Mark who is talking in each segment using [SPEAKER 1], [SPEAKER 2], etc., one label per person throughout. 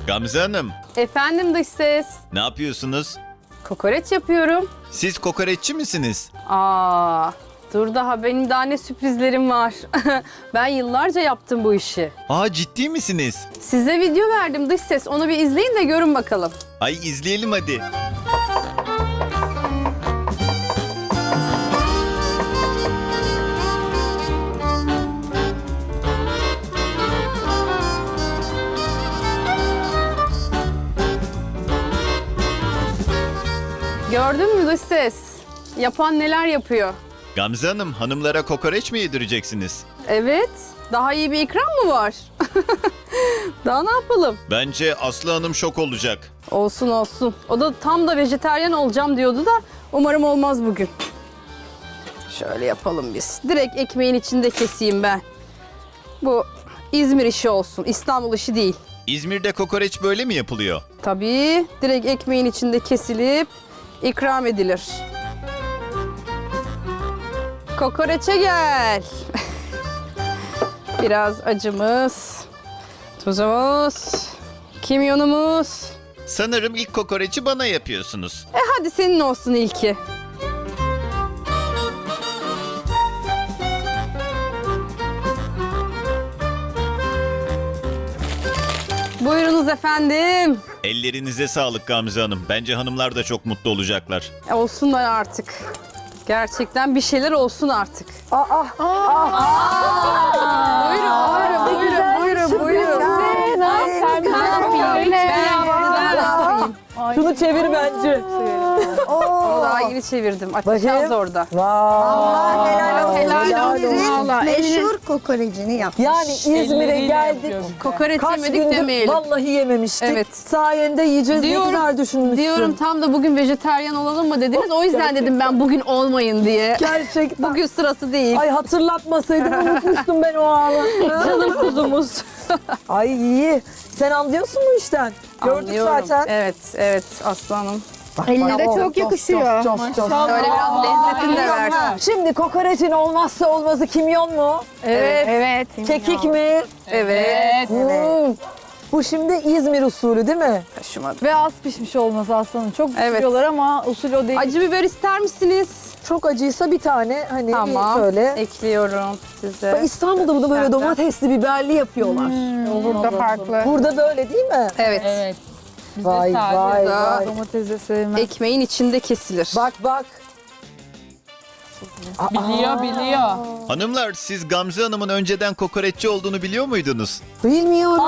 [SPEAKER 1] Gamze Hanım,
[SPEAKER 2] Efendim dış ses.
[SPEAKER 1] ne yapıyorsunuz?
[SPEAKER 2] Kokoreç yapıyorum.
[SPEAKER 1] Siz kokoreççi misiniz?
[SPEAKER 2] Dur daha benim daha ne sürprizlerim var. Ben yıllarca yaptım bu işi.
[SPEAKER 1] Ciddi misiniz?
[SPEAKER 2] Size video verdim dış ses. Onu bir izleyin de görün bakalım.
[SPEAKER 1] Ay izleyelim hadi.
[SPEAKER 2] Gördün mü dış ses? Yapan neler yapıyor?
[SPEAKER 1] Gamze Hanım, hanımlara kokoreç mi yedireceksiniz?
[SPEAKER 2] Evet. Daha iyi bir ikram mı var? Daha ne yapalım?
[SPEAKER 1] Bence Aslı Hanım şok olacak.
[SPEAKER 2] Olsun olsun. O da tam da vejetaryen olacağım diyordu da umarım olmaz bugün. Şöyle yapalım biz. Direkt ekmeğin içinde keseyim ben. Bu İzmir işi olsun. İstanbul işi değil.
[SPEAKER 1] İzmir'de kokoreç böyle mi yapılıyor?
[SPEAKER 2] Tabii direkt ekmeğin içinde kesilip ikram edilir. Kokoreçe gel. Biraz acımız, tuzumuz, kimyonumuz.
[SPEAKER 1] Sanırım ilk kokoreçi bana yapıyorsunuz.
[SPEAKER 2] Hadi senin olsun ilki. Buyurunuz efendim.
[SPEAKER 1] Ellerinize sağlık Gamze Hanım. Bence hanımlar da çok mutlu olacaklar.
[SPEAKER 2] Olsunlar artık. Gerçekten bir şeyler olsun artık. Buyurun.
[SPEAKER 3] Şunu çevir bence.
[SPEAKER 2] Onu daha yeni çevirdim. Açacağız orada.
[SPEAKER 3] Vay.
[SPEAKER 4] Helal olsun.
[SPEAKER 3] Vallahi
[SPEAKER 4] Meşhur kokorecini yap.
[SPEAKER 3] Yani İzmir'e geldik.
[SPEAKER 2] Kokoreç
[SPEAKER 3] Kaç
[SPEAKER 2] yemedik
[SPEAKER 3] gündür
[SPEAKER 2] demeyelim.
[SPEAKER 3] vallahi yememiştik.
[SPEAKER 2] Evet.
[SPEAKER 3] Sayende yiyeceğiz.
[SPEAKER 2] Diyorum-
[SPEAKER 3] ne güzel düşünmüşsün.
[SPEAKER 2] Diyorum tam da bugün vejetaryen olalım mı dediniz. O yüzden dedim ben bugün olmayın diye.
[SPEAKER 3] Gerçekten.
[SPEAKER 2] Bugün sırası değil.
[SPEAKER 3] Ay hatırlatmasaydın unutmuştum ben o anı.
[SPEAKER 2] Canım kuzumuz.
[SPEAKER 3] Ay iyi. Sen anlıyorsun bu işten. Gördük
[SPEAKER 2] Anlıyorum.
[SPEAKER 3] zaten.
[SPEAKER 2] Evet aslanım.
[SPEAKER 4] Eline de çok yakışıyor.
[SPEAKER 3] Çok.
[SPEAKER 2] Şöyle biraz lezzetini de ver.
[SPEAKER 3] Şimdi kokoreçin olmazsa olmazı kimyon mu?
[SPEAKER 4] Evet.
[SPEAKER 3] Kekik mi?
[SPEAKER 2] Evet.
[SPEAKER 3] Bu şimdi İzmir usulü değil mi?
[SPEAKER 2] Taşımadı.
[SPEAKER 5] Ve az pişmiş olması aslında. Çok
[SPEAKER 2] Evet.
[SPEAKER 5] pişiriyorlar ama usul o değil.
[SPEAKER 2] Acı biber ister misiniz?
[SPEAKER 3] Çok acıysa bir tane hani
[SPEAKER 2] Tamam.
[SPEAKER 3] şöyle.
[SPEAKER 2] Ekliyorum size.
[SPEAKER 3] Bak İstanbul'da bunu böyle
[SPEAKER 2] Nereden?
[SPEAKER 3] domatesli biberli yapıyorlar.
[SPEAKER 4] Burada farklı.
[SPEAKER 3] Burada böyle değil mi?
[SPEAKER 2] Evet.
[SPEAKER 5] Evet.
[SPEAKER 3] Vay vay
[SPEAKER 2] Burada.
[SPEAKER 3] vay.
[SPEAKER 5] Domates de sevmem.
[SPEAKER 2] Ekmeğin içinde kesilir.
[SPEAKER 3] Bak.
[SPEAKER 5] Biliyor.
[SPEAKER 1] Hanımlar, siz Gamze Hanım'ın önceden kokoreççi olduğunu biliyor muydunuz?
[SPEAKER 3] Bilmiyorum.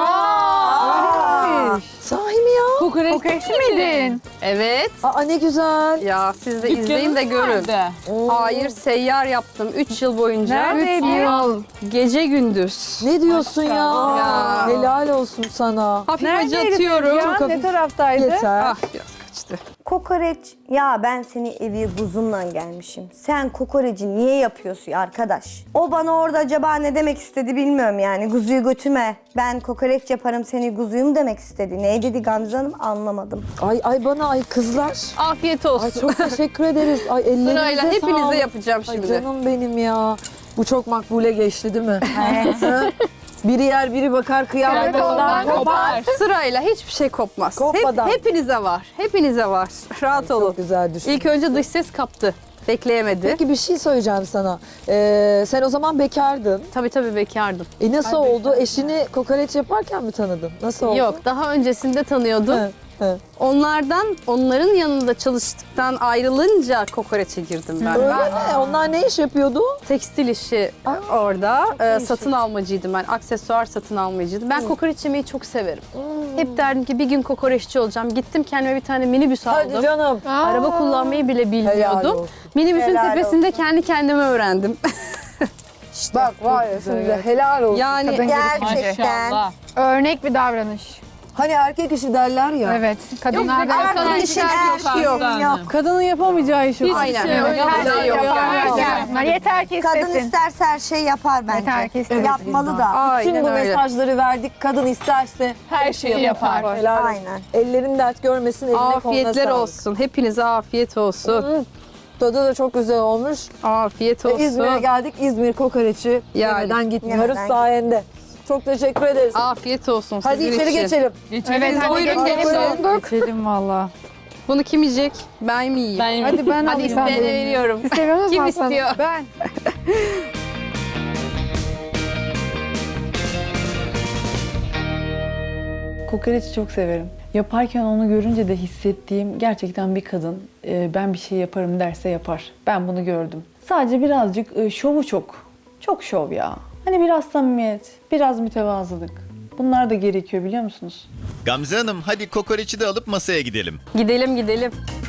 [SPEAKER 3] Sahi mi ya?
[SPEAKER 5] Kokoreççi miydin?
[SPEAKER 2] Evet.
[SPEAKER 3] Ne güzel.
[SPEAKER 2] Ya siz de izleyin de görün. Hayır, seyyar yaptım 3 yıl boyunca.
[SPEAKER 5] Neredeydin?
[SPEAKER 2] 3 yıl. Gece gündüz.
[SPEAKER 3] Ne diyorsun ya?
[SPEAKER 2] Ya.
[SPEAKER 3] Helal olsun sana.
[SPEAKER 2] Hafif acı atıyorum.
[SPEAKER 5] Ya,
[SPEAKER 3] hafif.
[SPEAKER 5] ne taraftaydı?
[SPEAKER 3] Yeter.
[SPEAKER 2] Ah biraz kaçtı.
[SPEAKER 4] Kokoreç. Ya ben seni evi buzumla gelmişim. Sen kokoreci niye yapıyorsun arkadaş? O bana orada acaba ne demek istedi bilmiyorum yani. Kuzuyu götüme. Ben kokoreç yaparım seni kuzuyum demek istedi. Ne dedi Gamze Hanım anlamadım.
[SPEAKER 3] Ay bana kızlar.
[SPEAKER 2] Afiyet
[SPEAKER 3] Ay
[SPEAKER 2] olsun.
[SPEAKER 3] çok teşekkür ederiz. Ay ellerinize
[SPEAKER 2] Sırayla hepinize
[SPEAKER 3] sağlık.
[SPEAKER 2] yapacağım
[SPEAKER 3] Ay
[SPEAKER 2] şimdi.
[SPEAKER 3] canım benim ya. Bu çok makbule geçti değil mi? Evet. Biri yer biri bakar kıyamet ondan kopar.
[SPEAKER 2] Sırayla hiçbir şey kopmaz.
[SPEAKER 3] Kopmadan.
[SPEAKER 2] Hepinize var. Hepinize var. Rahat olun.
[SPEAKER 3] Çok güzel düşün.
[SPEAKER 2] İlk önce dış ses kaptı. Bekleyemedi.
[SPEAKER 3] Peki bir şey söyleyeceğim sana. Sen o zaman bekardın.
[SPEAKER 2] Tabii bekardım.
[SPEAKER 3] Nasıl oldu? Eşini kokoreç yaparken mi tanıdın? Nasıl oldu?
[SPEAKER 2] Yok, daha öncesinde tanıyordum.
[SPEAKER 3] He.
[SPEAKER 2] Onların yanında çalıştıktan ayrılınca kokoreçe girdim ben.
[SPEAKER 3] Öyle mi? Onlar ne iş yapıyordu?
[SPEAKER 2] Tekstil işi orada. Satın almacıydım ben. Aksesuar satın almacıydım. Ben kokoreç yemeyi çok severim. Hep derdim ki bir gün kokoreççi olacağım. Gittim kendime bir tane minibüs aldım.
[SPEAKER 3] Hadi canım.
[SPEAKER 2] Araba kullanmayı bile
[SPEAKER 3] Helal
[SPEAKER 2] bilmiyordum.
[SPEAKER 3] olsun.
[SPEAKER 2] Minibüsün
[SPEAKER 4] Helal
[SPEAKER 2] tepesinde kendi kendime öğrendim.
[SPEAKER 3] Bak var ya şimdi helal olsun.
[SPEAKER 2] Yani
[SPEAKER 4] Gerçekten.
[SPEAKER 5] Örnek bir davranış.
[SPEAKER 3] Hani erkek işi derler ya.
[SPEAKER 5] Evet. Kadınlarda
[SPEAKER 2] kadın işi erkek yok.
[SPEAKER 5] Kadının yapamayacağı iş yok.
[SPEAKER 2] Aynen öyle bir şey yok.
[SPEAKER 5] Yeter ki
[SPEAKER 4] Kadın
[SPEAKER 5] istesin.
[SPEAKER 4] isterse her şey yapar bence.
[SPEAKER 5] Yeter ki istesin.
[SPEAKER 4] Yapmalı da.
[SPEAKER 3] Bütün
[SPEAKER 2] Aynen
[SPEAKER 3] bu
[SPEAKER 2] öyle.
[SPEAKER 3] mesajları verdik. Kadın isterse
[SPEAKER 5] Her şeyi yapar.
[SPEAKER 3] helal olsun.
[SPEAKER 4] Aynen.
[SPEAKER 3] Ellerin dert görmesin, eline koluna
[SPEAKER 2] Afiyetler
[SPEAKER 3] sağlık.
[SPEAKER 2] olsun. Hepinize afiyet olsun.
[SPEAKER 3] Tadı da çok güzel olmuş.
[SPEAKER 2] Afiyet olsun.
[SPEAKER 3] İzmir'e geldik. İzmir kokoreçi
[SPEAKER 2] Yani.
[SPEAKER 3] yemeden gitmiyoruz
[SPEAKER 4] Yemeden
[SPEAKER 3] sayende. Çok teşekkür ederiz.
[SPEAKER 2] Afiyet olsun
[SPEAKER 3] Hadi
[SPEAKER 2] sizin
[SPEAKER 3] içeri
[SPEAKER 2] için.
[SPEAKER 3] geçelim.
[SPEAKER 5] Evet hadi
[SPEAKER 2] Buyurun,
[SPEAKER 5] geçelim.
[SPEAKER 2] gelin.
[SPEAKER 5] Donduk. Geçelim valla.
[SPEAKER 2] Bunu kim yiyecek? Ben mi yiyeyim?
[SPEAKER 5] Hadi ben
[SPEAKER 2] Hadi
[SPEAKER 5] alayım.
[SPEAKER 2] isteyene veriyorum.
[SPEAKER 5] Siz seviyor musunuz
[SPEAKER 2] Kim
[SPEAKER 5] Aslan?
[SPEAKER 2] istiyor?
[SPEAKER 5] Ben.
[SPEAKER 6] Kokoreçi çok severim. Yaparken onu görünce de hissettiğim gerçekten bir kadın ben bir şey yaparım derse yapar. Ben bunu gördüm. Sadece birazcık şovu çok. Çok şov ya. Hani biraz samimiyet, biraz mütevazılık. Bunlar da gerekiyor biliyor musunuz?
[SPEAKER 1] Gamze Hanım hadi kokoreçi de alıp masaya gidelim.
[SPEAKER 2] Gidelim gidelim.